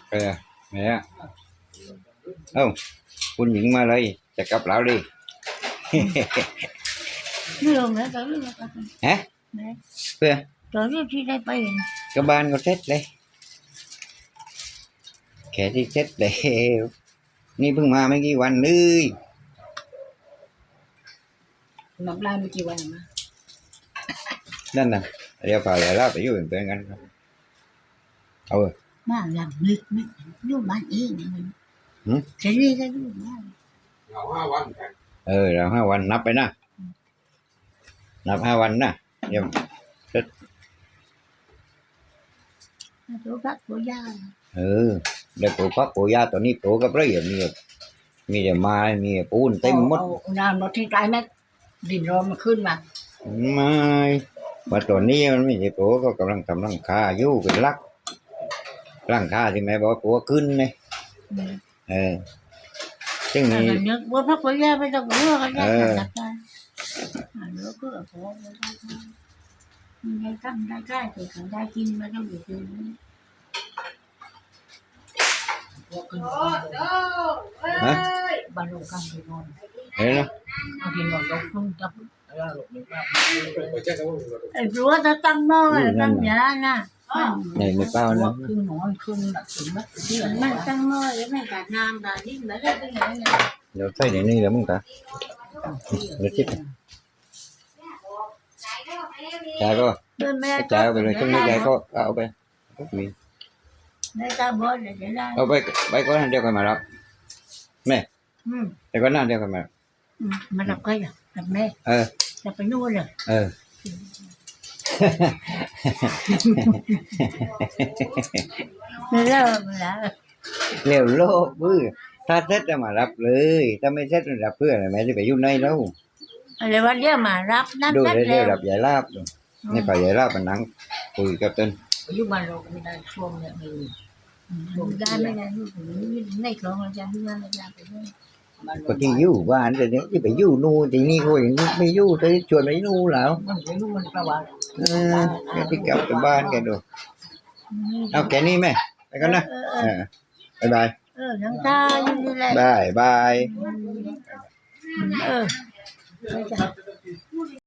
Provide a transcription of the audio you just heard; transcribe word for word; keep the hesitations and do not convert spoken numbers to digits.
เออแม่เอ้าคุณหญิงมาเลยจะกลับแล้วดิไม่ลงแล้วตอนนี้ก็ฮะเพื่อตอนนี้ที่ได้ไปก็บ้านก็เสร็จเลยแค่ที่เสร็จเลยนี่เพิ่งมาไม่กี่วันเลยน้ำลายไม่กี่วันมานั่นน่ะเดี๋ยวพาเดี๋ยวเราไปอยู่เป็นเพื่อนกันครับเอาเว้ยบ้านหลังลึกไม่อยู่บ้านเองมันจะเรียกก็อยู่บ้านเราห้าวันเออเราห้าวันนับไปนะนับห้าวันนะเดี๋ยวตัวพักตัวยาเออเดี๋ยวปลูกพักปลูกยาตัวนี้ปลูกกับไรอ่ะมีมีแต่ไม้มีปูนเต็มหมดน้ำรถที่ใต้แม่ดินร้อนมาขึ้นมาไม่ว่าตัวนี้มันไม่ใช่ปลูกก็กำลังทำรังคาอยู่เป็นลักรังคาที่แม่บอกว่าปลูกขึ้นเลยเออซึ่งแต่นี่นึกว่าพักตัวยาไม่ต้องกลัวกันนะจับได้แล้วก็พอได้ตั้งได้ได้แต่เขาได้กินมาต้องอยู่ที่นี่ฮะบ้านเรากำลังนอนเห็นไหมเอาที่นอนเราพึ่งจับไปแจ้งเขาไอ้รั้วจะตั้งหม้อตั้งยานะนี่ในเป้านะคือนอนคืนแบบถึงมันตั้งหม้อแล้วไม่กัดน้ำแต่นี่มันได้เป็นยังไงเดี๋ยวใส่ในนี้แล้วมึงตาเดี๋ยวคิดจ่ายก็เดินไม่จ่ายเอาไปเลยช่วงนี้จ่ายก็เอาไปมีได้ตาบอดเลยจะได้เอาไปไปก็นั่นเดียวกันมารับแม่แต่ก็นั่นเดียวกันมามาดับก็อย่างดับแม่เออจะไปนู่นเลยเออไม่เลิกแล้วเร็วโลกบื้อถ้าเซ็ตจะมารับเลยถ้าไม่เซ็ตจะรับเพื่อนแม่จะไปยุ่งในแล้วอะไรว่าเดี๋ยวมารับนั่นดูนั่นได้แล้เร็ววรับใหญ่ลาบนี่ไปใหญ่ลาบมันนั่งคุยกับต้นอยู่บ้านเราไม่ได้ช่วงเนี่ยไม่ได้ไม่ได้ลูกในคลองอาจารย์ที่นั่นอาจารย์ไปด้วยก็ที่อยู่บ้านแต่เนี้ยที่ไปอยู่นู่นที่นี่ก็อย่างนี้ไม่อยู่ที่ชวนไปนู่นแล้วมันไปนู่นมันประวัติเออแกที่กลับไปบ้านแกดูเอาแกนี่แม่ไปกันนะเออบายบายเออยังตาอยู่นี่แหละบายบายเออ